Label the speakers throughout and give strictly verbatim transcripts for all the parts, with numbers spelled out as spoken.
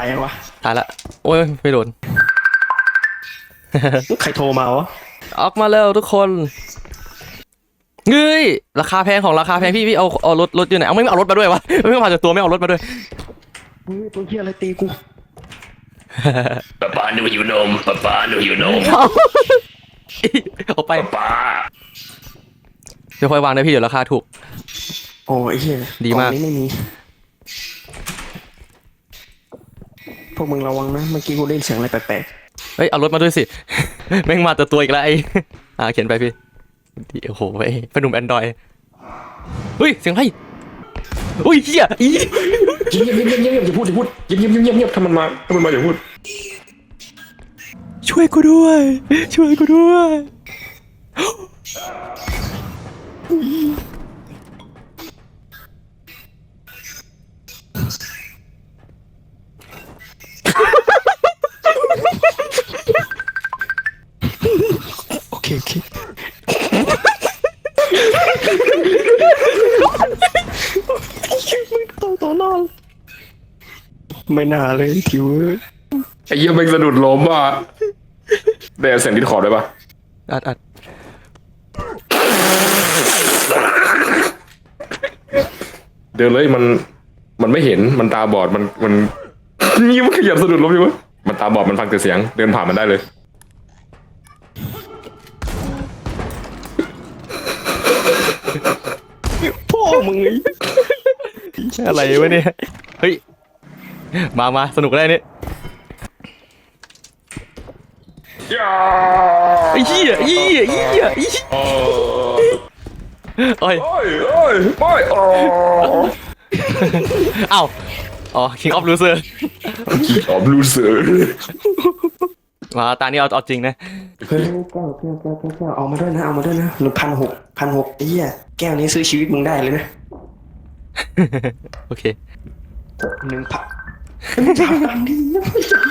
Speaker 1: ายยังวะ
Speaker 2: ถ่ายละโอ้ยไม่โดน
Speaker 1: ใครโทรมาวะ
Speaker 2: ออกมาแล้วทุกคนเฮ้ยราคาแพงของราคาแพงพี่พี่เอาเอารถรถอยู่ไหนเอาไม่เอารถมาด้วยวะไม่เอามาจากตัวไม่เอารถมาด้วย
Speaker 1: ตัวเฮียอะไรตีกู
Speaker 3: ป้าป้าหนูหิวนมป้าป้าหนูหิวนม
Speaker 2: เอาไป
Speaker 3: ป้า
Speaker 2: เดี๋ยวค่อยวางได้พี่เดี๋ยวราคาถูก
Speaker 1: โอ้ยเฮีย
Speaker 2: ดีมาก
Speaker 1: นี้ไม่มีพวกมึงระวังนะเมื่อกี้กูได้ยินเสียงอะไรแปลก
Speaker 2: ๆเฮ้ยเอารถมาด้วยสิแม่งมาแต่ตัวอีกแล้วไอ้อ่าเขียนไปพี่โอ้โหไอ้เป็นหนุ่มแอนดรอยเฮ้ยเสียงอะไรอุ้ยเฮียอี
Speaker 3: เงียบเงียบเงียบเงียบอย่าพูดอย่าพูดเงียบเงียบเงียบเงียบถ้ามันมาถ้ามันมาอย่าพูด
Speaker 2: ช่วยกูด้วยช่วยกูด้วย
Speaker 1: โอเคโอเคมึงตัวตัวนอนไม่น่าเลยทิว
Speaker 3: ไอ้เหี้ยแม่งสะดุดล้มอ่ะได้เสียงดิสคอร์ดได้ปะ
Speaker 2: อัดอัด
Speaker 3: เดินเลยมันมันไม่เห็นมันตาบอดมันมันนี่มันขยับสะดุดล้มอยู่วะมันตาบอดมันฟังแต่เสียงเดินผ่านมันได้เลย
Speaker 1: พ่อมึงไง
Speaker 2: อะไรวะเนี่ยเฮ้ยมามาสนุกได้นี่ไอ้เหี้ยไอ้เหี้ยไอ้เหี้ยไอ้เหี้ยโอ้ย
Speaker 3: โอ้ยโอ้ยโอ้ยอ๋อ
Speaker 2: อ้าวอ๋อ King of Loser
Speaker 3: King of Loser
Speaker 2: มาตานี้เอาเอาจริงนะ
Speaker 1: เฮ้ยแก้วแก้วแก้วแก้วเอามาด้วยนะเอามาด้วยนะหนึ่งพันหกพันหกไอ้เหี้ยแก้วนี้ซื้อชีวิตมึงได้เลยนะ
Speaker 2: โอเค
Speaker 1: หนึ่งพันจับตังดีนะ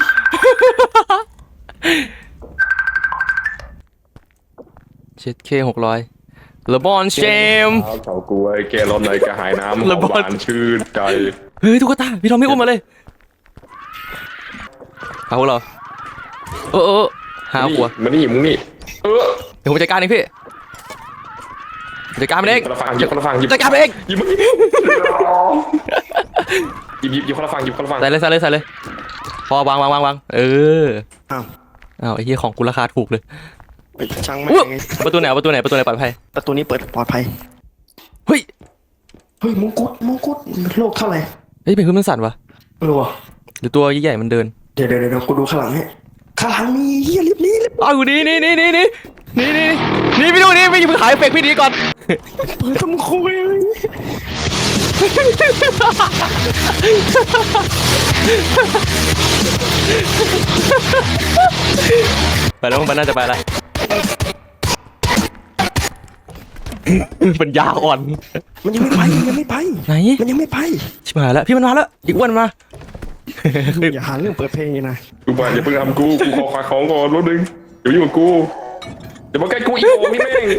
Speaker 2: เจ็ดเคหกร้อยเลบอนเชม
Speaker 3: เฉากล้วยแกร้อนในกระหายน้ำหวานชื่นใจ
Speaker 2: เฮ้ยตุ๊กตาพี่ทอมไม่อุ้มมาเลยเอาเหรอเออเออหาหัว
Speaker 3: มานี่มึงนี่เออ
Speaker 2: เดี๋ยวผมจัดการเองพี่จัดการมันเอง
Speaker 3: คนละฝั่งหยิบคนละฝั่งหยิบ
Speaker 2: จัดการมันเอง
Speaker 3: หยิบหยิบหยิบหยิบคนละฝั่งหยิบคนละฝั่ง
Speaker 2: ใส่เลยใส่เลยใส่เลยพอวางวางวางวางเออ
Speaker 1: อ้าว
Speaker 2: อ้าวไอ้เหี้ยของกูราคาถูกเลย
Speaker 1: ช่างไม่ไง
Speaker 2: ประตูไหนประตูไหนประตูไหนปลอดภัย
Speaker 1: ประตูนี้เปิดปลอดภัย
Speaker 2: เฮ้ย
Speaker 1: เฮ้ยมงกุฎมงกุฎโลกเท่าไหร่
Speaker 2: เฮ้ยเป็นพื้นมันสั่นวะ
Speaker 1: เออวะ
Speaker 2: หรือตัวใหญ่ๆมันเดิน
Speaker 1: เดี๋ยวเดี๋ยวเดี๋ยวกูดูข้างหลังให้ข้างหลังนี่เฮียลิฟต์นี่
Speaker 2: อ้าวนี่นี่นี่นี่นี่นี่นี่นี่พี่ดูนี่พี่มึงหายเฟกพี่ดีก่อน
Speaker 1: เปิดทำคุย
Speaker 2: ไปแล้วมันน่าจะไปละมันยาอ่อน
Speaker 1: มันยังไม่ไปยังไม่ไป
Speaker 2: ไหน
Speaker 1: มันยังไม่ไป
Speaker 2: ชิบหายแล้วพี่มันมาแล้วอีกวันมา
Speaker 1: อย่าหาเรื่องเปิดเพลงนะ
Speaker 3: กูบอกอย่าเพิ่งทำกูกูขอขายของก่อนรถดึงเดี๋ยวอยู่กับกูเดี๋ยวมาใกล้กูอีกโอ้พี่แม่ง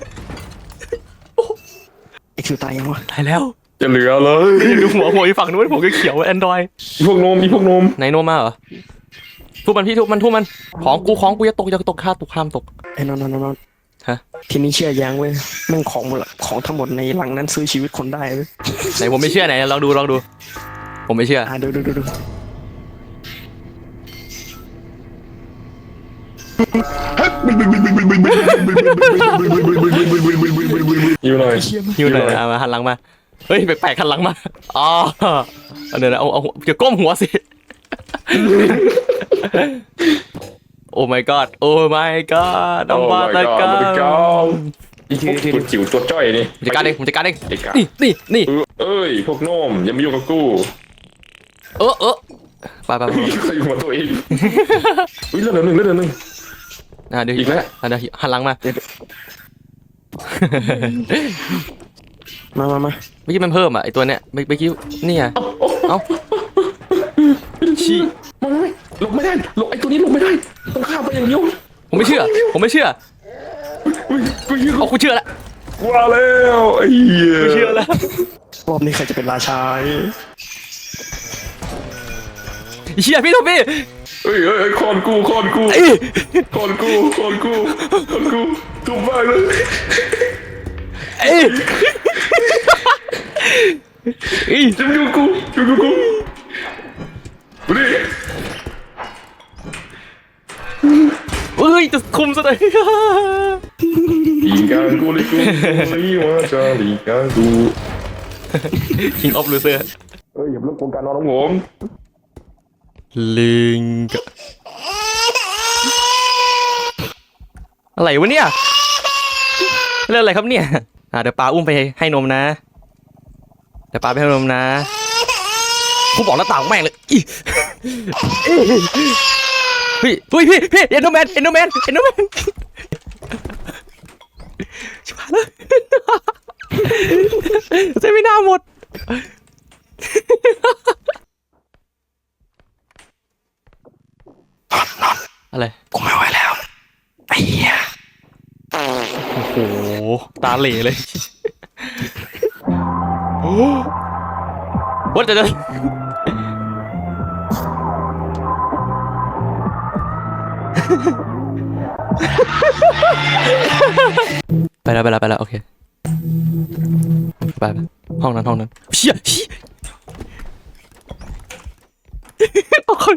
Speaker 1: ไอ้คิวตายยังวะ
Speaker 2: ตายแล้ว
Speaker 3: จะเหลือเลย
Speaker 2: ดูหัวหัวอีฝั่งนู้นผมก็เขียวแอนดรอย
Speaker 3: พวกนมมีพวกนม
Speaker 2: ไหนโนมาเหรอทุบมันพี่ทุบมันทุบมันของกูของกูจะตกจะตกค่าตกข้ามตก
Speaker 1: ไอ้นอนนอนนอน
Speaker 2: ฮะ
Speaker 1: ทีนี้เชื่อยังเว้ยแม่งของหมดละของทั้งหมดในหลังนั้นซื้อชีวิตคนได้เว้ย
Speaker 2: ไหนผมไม่เชื่อไหนลองดูลองดูผมไม่เชื่อ
Speaker 1: อ่ะดูดูดูดู
Speaker 3: หิวหน่อย
Speaker 2: หิวหน่อยนะมาหันหลังมาเฮ้ยแปลกๆหันหลังมาอ๋อเดี๋ยวนะเอาเอาจะก้มหัวสิโอ้ my god โอ้ my god น้องบาตะกา
Speaker 3: อีกทีตัวจิ๋วตัวจ้อยนี่
Speaker 2: จัดการเองผมจัดการเองนี่นี่นี่
Speaker 3: เอ้ยพวกโน้มอย่ามายุ่งกับกู
Speaker 2: เออเออไปไปไป
Speaker 3: อยู่มาตัวเองอุ้ยเลือดหนึ่งเลือดหนึ่ง
Speaker 2: อ่ะเดี๋ยวอีกแล้วอ่ะเดี๋ยวหันหลังมา
Speaker 1: มามามา
Speaker 2: เมื่อกี้มันเพิ่มอ่ะไอตัวเนี้ยเมื่อกี้นี่ไงเอ้าชี้
Speaker 3: มาไม่ลงไม่ได้ลงไอตัวนี้ลงไม่ได้ต้องข้ามไปอย่างเดียว
Speaker 2: ผมไม่เชื่อผมไม่เชื่อเอากูเชื่อแล้ว
Speaker 3: ว้าแล้วไอ้เหี้ย
Speaker 2: ไม่เชื่อแล้ว
Speaker 1: รอบนี้ใครจะเป็นราชา
Speaker 2: เฮียพี่โทบี้
Speaker 3: เฮ้ยเฮ้ยเฮ้ยคอนกูคอนกู
Speaker 2: เอ้ย
Speaker 3: คอนกูคอนกูคอนกูถูกมากเลย
Speaker 2: เอ้ยเอ้ย
Speaker 3: จะอยู่กูอยู่กูกูดูดิ
Speaker 2: เอ้ยจะคุมซะหน่อย
Speaker 3: Đi càng cô đi cô lý hóa cho đi càng cô
Speaker 2: King of Loser
Speaker 3: Ơi dùm lúc con ca nó đóng ổn
Speaker 2: ลิงอะไรวะเนี่ยเรื่องอะไรครับเนี่ยอ่ะเดี๋ยวปาอุ้มไปให้นมนะเดี๋ยวปาไปให้นมนะกูบอกหน้าต่างแม่งเลยอีพี่พี่พี่พี่เอ็นโดแมนเอ็นโดแมนเอ็นโดแมนชิบหายแล้วเซมินาหมดอะไร
Speaker 1: กูไม่ไหวแล้วไอ้เหี้ย
Speaker 2: โอ้โหตาเหล่เลยโอ้วัดจะไปแล้วไปแล้วไปแล้วโอเคไปไปห้องนั้นห้องนั้นเชี่ยเชี่ยเอาคน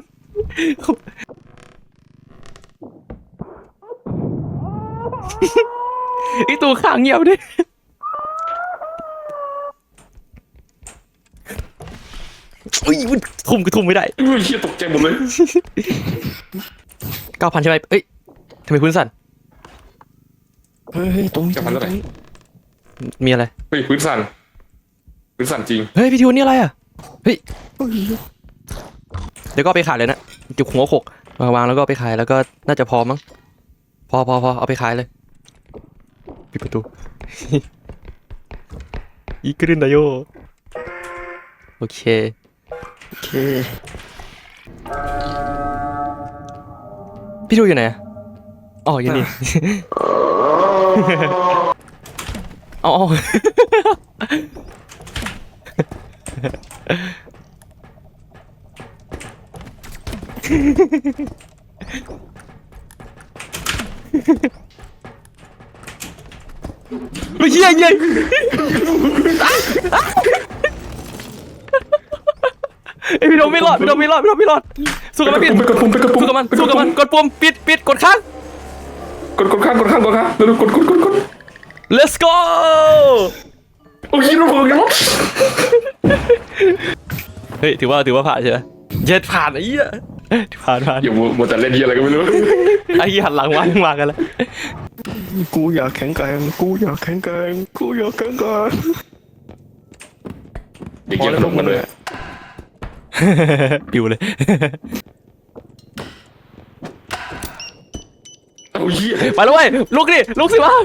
Speaker 2: ไอตัวข้างเงียบดิอุ้ยทุ่มก็ทุ่มไม่ได้
Speaker 3: Ui shit tục chạy một lên
Speaker 2: เก้าพันใช่ไหมเอ้ยทำไมคุณสั่น
Speaker 1: เฮ้ยตรงนี้
Speaker 3: จะพันเท่าไหร่
Speaker 2: มีอะไร
Speaker 3: Uiพื้นสั่นพื้นสั่นจริง
Speaker 2: เฮ้ยพี่ทิวนี่อะไรอ่ะเฮ้ยเดี๋ยวก็เอาไปขายเลยนะจุกหัวโขกวางวางแล้วก็เอาไปขายแล้วก็น่าจะพอมั้งพอพอพอเอาไปขายเลยปิดประตู อีกรึนไดโยโอเค
Speaker 1: โอเค
Speaker 2: พี่ทิวอยู่ไหนอะอ๋ออยู่นี่ เอาเอาเฮ้ยเหี้ยเหี้ยไอพี่โดมไม่รอดพี่โดมไม่รอดพี่โดมไม่รอดสู้กับมัน
Speaker 3: ไป
Speaker 2: พี่
Speaker 3: กดปุ่มไปกดปุ่ม
Speaker 2: สู้กับมันสู้กับมันกดปุ่มปิดปิดกดค้าง
Speaker 3: กดกดข้างกดข้างกดข้างแล้วกดกดกดกด
Speaker 2: let's go
Speaker 3: โอ้ยรู้ผมยัง
Speaker 2: เฮ้ยถือว่าถือว่าผ่านใช่ไหมเย็ดผ่านไอ้เหี้ยผ่านผ่าน
Speaker 3: อย่ามัวแต่เล่นเหี้ยอะไรก็ไม่รู้
Speaker 2: ไอ้เหี้ยหันหลังมายังมากันแล้ว
Speaker 1: กูอยากแข็งแกร่งกูอยากแข็งแกร่งกูอยากแข็งแกร่ง
Speaker 3: เด็กเหี้ยสนุกกันเลย
Speaker 2: ปิวเลย
Speaker 3: โอ้ย
Speaker 2: ไปแล้วเว้ยลุกดิลุกสิวะ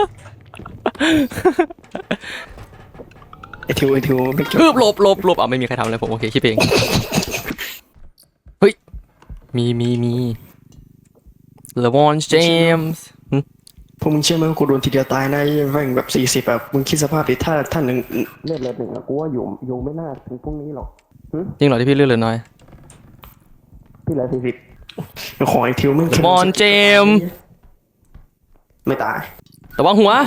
Speaker 1: ไอทิวไอทิวไม่จ
Speaker 2: ฮึ
Speaker 1: บบ
Speaker 2: หลบหลบหลบอ่ะไม่มีใครทำอะไรผมโอเคคิดเองเฮ้ยมีมีมีเลวอนเจมส์
Speaker 1: พวกมึงเชื่อไหมว่ากูโดนทีเดียวตายนะไอ้แม่งแบบสี่สิบแบบมึงคิดสภาพดิถ้าท่านหนึ่งเลือดเลือดหนึ่งอะกูว่าอยู่อยู่ไม่น่าถึงพวกนี้หรอก
Speaker 2: จริงเหรอที่พี่เลือดเหลือน้อย
Speaker 1: พี่เหลือสี่สิบขอไอทิวมึง
Speaker 2: เลวอนเจมส์
Speaker 1: ไม่ตาย
Speaker 2: ระวังหัว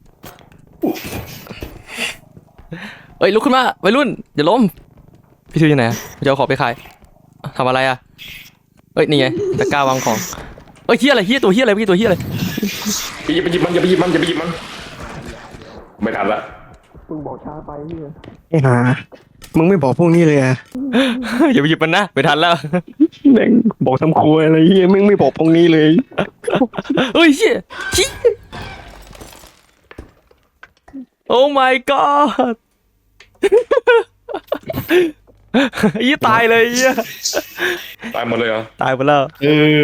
Speaker 2: เอ้ยลุกขึ้นมาวัยรุ่นอย่าล้มพี่ทิวอยู่ไหนอะจะเอาของไปขายทำอะไรอ่ะเอ้ยนี่ไงตะกร้าวางของเอ้ยเฮียอะไรเฮียตัวเฮียอะไรพี่ตัวเฮียอะไร
Speaker 3: ไปหยิบไปหยิบมันอย่าไปหยิบมันอย่าไปหยิบมันไม่ทันละ
Speaker 1: มึงบอกช้าไปพี่ไอ้ห่ามึงไม่บอกพวกนี้เลยอะ
Speaker 2: อย่าไปหยิบมันนะไม่ทันแล้ว
Speaker 1: แม่งบอกทำครัวอะไรเฮียมึงไม่บอกพวกนี้เลย
Speaker 2: เฮ้ยเฮียเฮียโอ้ my god ยี่ตายเลยเฮีย
Speaker 3: ตายหมดเลยเหรอ
Speaker 2: ตายไปแล้ว
Speaker 1: เออ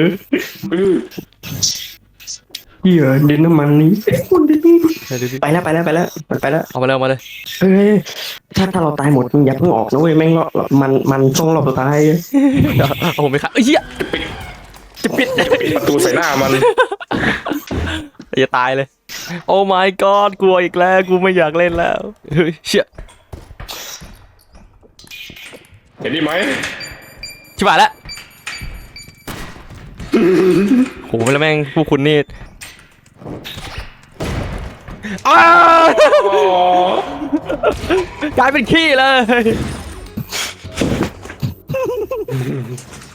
Speaker 1: เหี้ยดินน้ำมันนี้ไปแล้วไปแล้วไปแล้วมันไปแล้ว
Speaker 2: เอามาเลยเอามาเลย
Speaker 1: เฮ้ยถ้าถ้าเราตายหมดมึงอย่าเพิ่งออกนะเว้ยแม่งรอมันมันช่องรอบสุดท้าย
Speaker 2: เอาผมไปขายเอ้ยเฮียจะปิด
Speaker 3: ปิดประตูใส่หน้ามัน
Speaker 2: อย่าตายเลยโอ้ my god กลัวอีกแล้วกูไม่อยากเล่นแล้วเฮ้ยเชี่ย
Speaker 3: เห็นนี่ไหม
Speaker 2: ชิชิบหายแล้วโหแล้วแม่งพวกคุณนี่อ้าวกลายเป็นขี้เลย